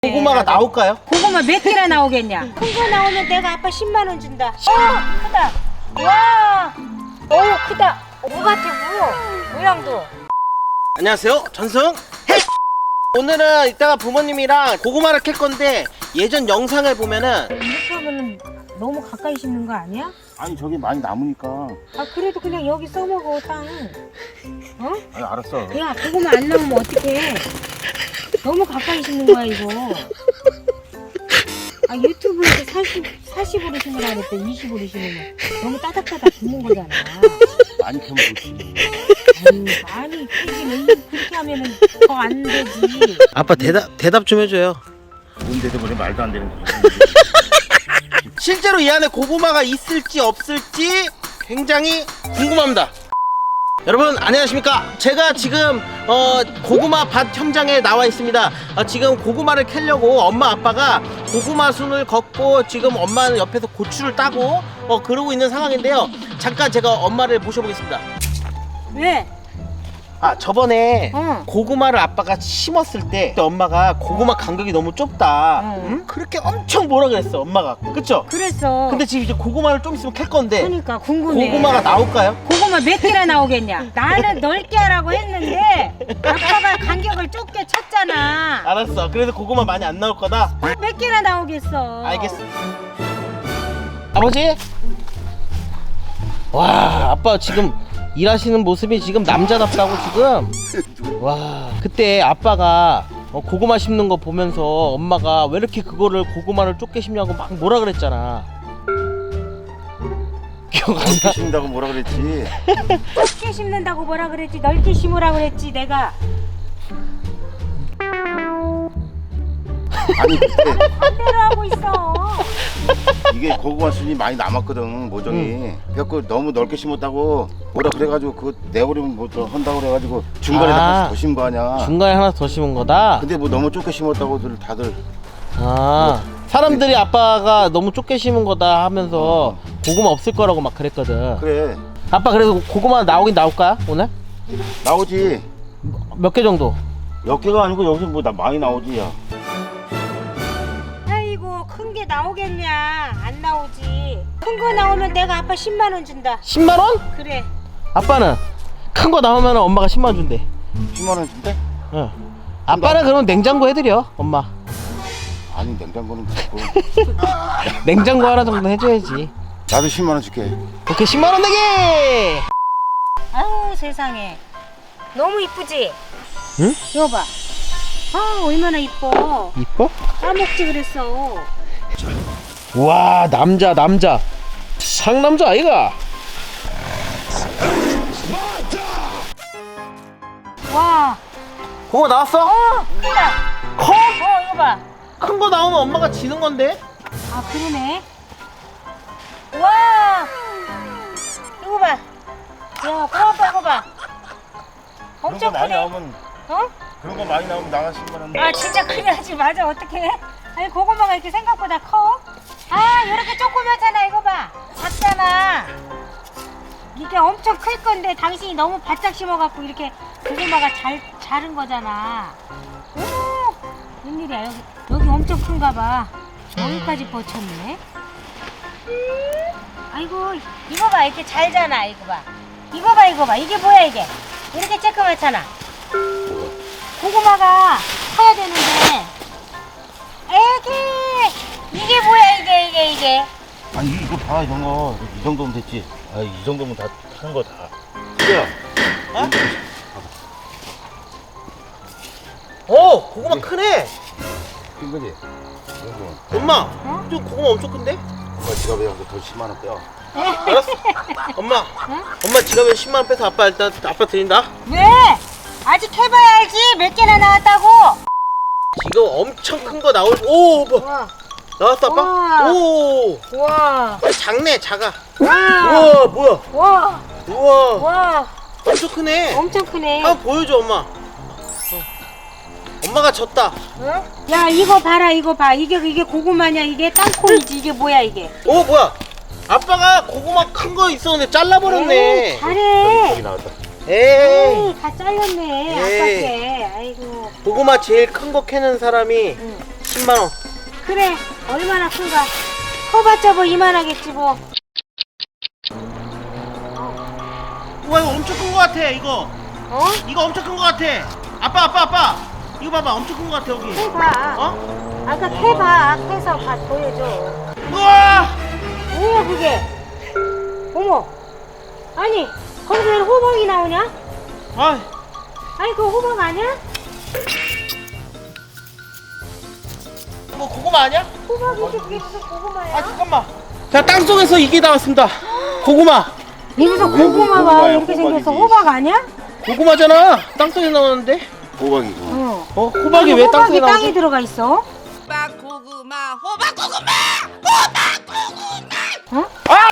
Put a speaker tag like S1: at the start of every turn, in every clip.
S1: 고구마가 나올까요?
S2: 고구마 몇 개나 나오겠냐? 큰 거 나오면 내가 아빠 10만 원 준다. 크다. 와, 크다. 무 같아, 무. 모양도.
S1: 안녕하세요, 전승 오늘은 이따가 부모님이랑 고구마를 캘 건데 예전 영상을 보면은
S2: 이렇게 하면은 너무 가까이 심는 거 아니야?
S3: 아니 저기 많이 남으니까.
S2: 아 그래도 그냥 여기 써먹어 땅. 어?
S3: 아니 알았어.
S2: 야 고구마 안 나오면 어떡해? 너무 가까이 심는 거야 이거. 아 유튜브에서 40으로 심으라 그랬대. 20으로 심으면 너무 따닥따닥 붙는 거잖아.
S3: 많이 캐면 좋지.
S2: 아유 많이 캐기는 그렇게 하면은 더 안 되지.
S1: 아빠 대답 좀 해줘요.
S3: 뭔데도 그래 말도 안 되는 거지.
S1: 실제로 이 안에 고구마가 있을지 없을지 굉장히 궁금합니다. 여러분 안녕하십니까? 제가 지금 고구마 밭 현장에 나와 있습니다. 지금 고구마를 캐려고 엄마 아빠가 고구마 순을 걷고 지금 엄마는 옆에서 고추를 따고 그러고 있는 상황인데요. 잠깐 제가 엄마를 모셔보겠습니다.
S2: 왜?
S1: 저번에
S2: 응.
S1: 고구마를 아빠가 심었을 때 엄마가 고구마 간격이 너무 좁다.
S2: 응.
S1: 응? 그렇게 엄청 뭐라 그랬어 엄마가. 그쵸?
S2: 그랬어.
S1: 근데 지금 이제 고구마를 좀 있으면 캘 건데
S2: 그러니까 궁금해.
S1: 고구마가 나올까요?
S2: 고구마 몇 개나 나오겠냐? 나는 넓게 하라고 했는데 아빠가 간격을 좁게 쳤잖아.
S1: 알았어. 그래서 고구마 많이 안 나올 거다.
S2: 몇 개나 나오겠어?
S1: 알겠어. 아버지? 와, 아빠 지금 일하시는 모습이 지금 남자답다고 지금. 와, 그때 아빠가 고구마 심는 거 보면서 엄마가 왜 이렇게 그거를 고구마를 좁게 심냐고 막 뭐라 그랬잖아. 기억 안 나?
S3: 심다고 뭐라 그랬지?
S2: 좁게 심는다고 뭐라 그랬지? 넓게 심으라 그랬지 내가.
S3: 아니 그때
S2: 반대로 하고 있어.
S3: 이게 고구마 순이 많이 남았거든 모종이. 그래갖고 너무 넓게 심었다고 뭐라 그래가지고 그거 내버리면 뭐 더 한다고 그래가지고 중간에
S1: 아.
S3: 더 심은 거 아니야.
S1: 중간에 하나 더 심은 거다?
S3: 근데 뭐 너무 좁게 심었다고들 다들.
S1: 사람들이 아빠가 너무 좁게 심은 거다 하면서 고구마 없을 거라고 막 그랬거든.
S3: 그래
S1: 아빠 그래서 고구마 나오긴 나올까요 오늘?
S3: 나오지.
S1: 몇 개 정도?
S3: 몇 개가 아니고 여기서 뭐 나 많이 나오지 야.
S2: 아이고 큰 게 나오겠냐? 안 나오지. 큰 거 나오면 내가 아빠 10만 원 준다.
S1: 10만 원?
S2: 그래.
S1: 아빠는 큰 거 나오면 엄마가 10만 원 준대.
S3: 10만 원 준대?
S1: 응. 아빠는 그럼 냉장고 해드려 엄마.
S3: 아니 냉장고는 좋고.
S1: 냉장고 하나 정도 해줘야지.
S3: 나도 10만 원 줄게.
S1: 오케이 10만 원 내기.
S2: 아우 세상에. 너무 이쁘지?
S1: 응?
S2: 이거 봐. 아 얼마나 이뻐.
S1: 이뻐?
S2: 까먹지 그랬어.
S1: 와 남자 상남자 아이가.
S2: 와.
S1: 고구마 나왔어?
S2: 크다.
S1: 커?
S2: 이거 봐.
S1: 큰 거 나오면 엄마가 지는 건데.
S2: 아 그러네. 와. 이거 봐. 야 고맙다 이거 봐. 엄청
S3: 많이
S2: 크네.
S3: 나오면
S2: 어?
S3: 그런 거 많이 나오면 나가 10만 원.
S2: 아 진짜 그래야지. 맞아. 어떡해. 아니 고구마가 이렇게 생각보다 커. 아 이렇게 조그맣잖아. 이거 봐. 작잖아. 이게 엄청 클 건데 당신이 너무 바짝 심어갖고 이렇게 고구마가 자른 거잖아. 오 웬일이야. 여기 엄청 큰가 봐. 여기까지 뻗쳤네. 아이고 이거 봐. 이렇게 잘잖아. 이거 봐. 이거 봐. 이게 뭐야 이게. 이렇게 쬐끄맣잖아. 고구마가 커야 되는데. 애기 이게 뭐야 이게.
S3: 아니 이거 봐 이런 거 이 정도면 됐지. 아 이 정도면 다 하는 거 다. 야,
S1: 어? 오 고구마 크네.
S3: 큰 거지. 이거
S1: 엄마 좀 고구마 엄청 큰데?
S3: 엄마 지갑에 여기서 더 10만 원 빼요.
S1: 알았어. 엄마 지갑에 10만 원 빼서 아빠 일단 아빠 드린다.
S2: 왜? 아직 해봐야 알지. 몇 개나 나왔다고.
S1: 지금 엄청 큰 거 나올. 오 뭐.
S2: 와.
S1: 나왔어 아빠?
S2: 우와.
S1: 오
S2: 와.
S1: 작네 작아.
S2: 와.
S1: 우와 뭐야.
S2: 와.
S1: 우와
S2: 와.
S1: 엄청 크네.
S2: 엄청 크네.
S1: 한번 보여줘 엄마. 엄마가 졌다.
S2: 응? 야 이거 봐라. 이거 봐. 이게 고구마냐. 이게 땅콩이지. 이게 뭐야 이게.
S1: 오 뭐야. 아빠가 고구마 큰 거 있었는데 잘라버렸네.
S2: 에이, 잘해.
S3: 저기 나왔다.
S1: 에이
S2: 다 잘렸네.
S1: 에이.
S2: 아깝게. 아이고.
S1: 고구마 제일 큰 거 캐는 사람이
S2: 응.
S1: 10만원.
S2: 그래 얼마나 큰가. 커봤자 뭐 이만하겠지 뭐.
S1: 우와 이거 엄청 큰 거 같아 이거.
S2: 어?
S1: 이거 엄청 큰 거 같아. 아빠 이거 봐봐 엄청 큰 거 같아 여기.
S2: 해봐.
S1: 어?
S2: 아까 해봐. 해서 보여줘.
S1: 우와
S2: 뭐야 그게? 어머. 아니 거기서 왜 호박이 나오냐?
S1: 아
S2: 아니 그거 호박 아니야?
S1: 뭐 고구마 아니야?
S2: 호박이지 그게 무슨 고구마야?
S1: 아 잠깐만. 자 땅속에서 이게 나왔습니다. 고구마.
S2: 여기서 고구마가
S3: 고구마야,
S2: 이렇게 생겼어.
S3: 호박이지.
S2: 호박 아니야?
S1: 고구마잖아. 땅속에 나왔는데.
S3: 호박이고.
S2: 어.
S1: 호박이 왜 땅속에
S2: 호박이
S1: 나오지?
S2: 땅에 들어가 있어? 어?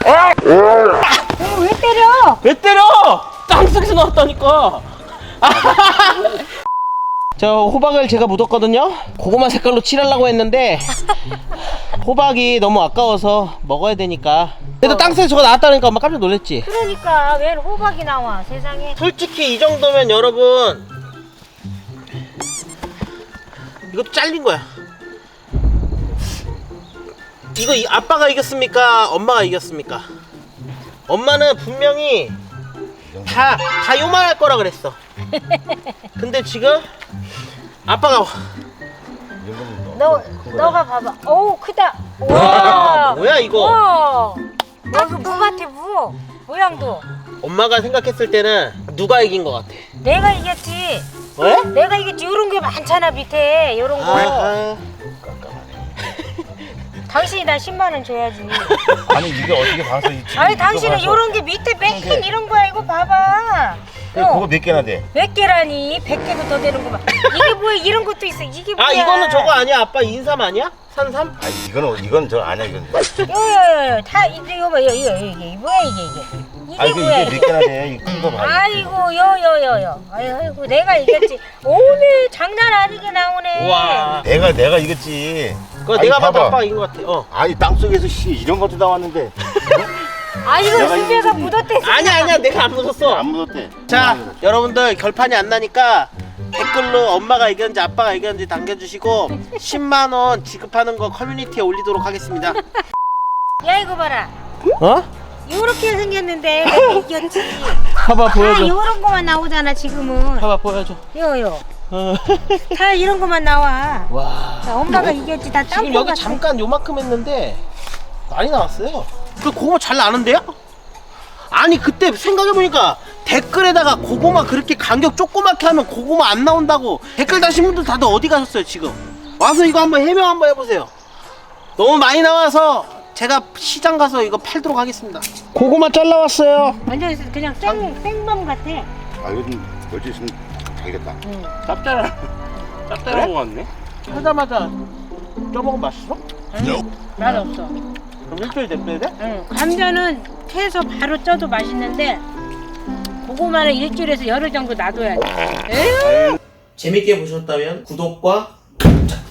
S2: 왜 때려?
S1: 왜 때려? 땅속에서 나왔다니까. 저 호박을 제가 묻었거든요. 고구마 색깔로 칠하려고 했는데 호박이 너무 아까워서 먹어야 되니까. 그래도 땅속에 저거 나왔다니까 엄마 깜짝 놀랐지.
S2: 그러니까 왜 호박이 나와 세상에.
S1: 솔직히 이 정도면 여러분 이것도 잘린 거야. 이거 아빠가 이겼습니까? 엄마가 이겼습니까? 엄마는 분명히 다 요만할 거라 그랬어. 근데 지금 아빠가
S2: 너가 봐봐. 오 크다.
S1: 와, 뭐야, 이거?
S2: 와. 이거 무 같아 무. 모양도.
S1: 엄마가 생각했을 때는 누가 이긴 것 같아?
S2: 내가 이겼지.
S1: 왜?
S2: 내가 이겼지. 요런 게 많잖아 밑에 요런 거.
S1: 아,
S2: 당신이 나 10만 원 줘야지.
S3: 아니 이게 어떻게 봐서 이
S2: 아니 당신은 요런 게 밑에 맨 이런 거야 이거 봐봐.
S3: 그거 몇 개나 돼?
S2: 몇 개라니? 100개도 더 되는구만. 이게 뭐야? 이런 것도 있어. 이게 뭐야?
S1: 아 이거는 저거 아니야? 아빠 인삼 아니야? 산삼?
S3: 아니 이건 저 아니야 이건.
S2: 요요요 다 이거 봐 이게 뭐야 이게
S3: 아니
S2: 뭐야
S3: 이게 몇 개나 돼? 이 큰 거 봐.
S2: 아이고 요요요요 아이고 내가 이겼지. 오늘 장난 아니게 나오네.
S1: 와.
S3: 내가 이겼지.
S1: 그거
S3: 아니,
S1: 내가 봐도
S3: 봐봐.
S1: 아빠가 이긴 것 같아. 어.
S3: 아니 땅속에서 이런 것도 나왔는데.
S2: 아 이거
S3: 내가
S2: 수배가
S3: 이겼지.
S2: 묻었대.
S1: 아니야 내가 안 묻었어.
S3: 안 묻었대.
S1: 자 여러분들 결판이 안 나니까 댓글로 엄마가 이겼는지 아빠가 이겼는지 남겨주시고 10만원 지급하는 거 커뮤니티에 올리도록 하겠습니다.
S2: 야 이거 봐라.
S1: 어?
S2: 요렇게 생겼는데 내가 이겼지.
S1: 봐봐
S2: 다
S1: 보여줘.
S2: 요런 거만 나오잖아 지금은.
S1: 봐봐 보여줘.
S2: 요요
S1: 어.
S2: 다 이런 거만 나와.
S1: 와.
S2: 자, 엄마가 이겼지. 다
S1: 지금
S2: 땅콩
S1: 여기
S2: 같아.
S1: 잠깐 요만큼 했는데 많이 나왔어요. 그 고구마 잘 나는데요? 아니 그때 생각해보니까 댓글에다가 고구마 그렇게 간격 조그맣게 하면 고구마 안 나온다고 댓글 다신 분들 다들 어디 가셨어요 지금? 와서 이거 한번 해명 한번 해보세요. 너무 많이 나와서 제가 시장 가서 이거 팔도록 하겠습니다. 고구마 잘라왔어요.
S2: 완전 그냥 생범 같아.
S3: 아 이건 멀지 있으면 다 이겼다.
S2: 응.
S1: 짭짤한 거 같네. 하자마자 쪄먹으면 맛있어?
S2: 맛 없어.
S1: 그럼 일주일 냅둬야 돼?
S2: 응. 감자는 캐서 바로 쪄도 맛있는데 고구마는 일주일에서 열흘 정도 놔둬야 돼. 에휴.
S1: 재밌게 보셨다면 구독과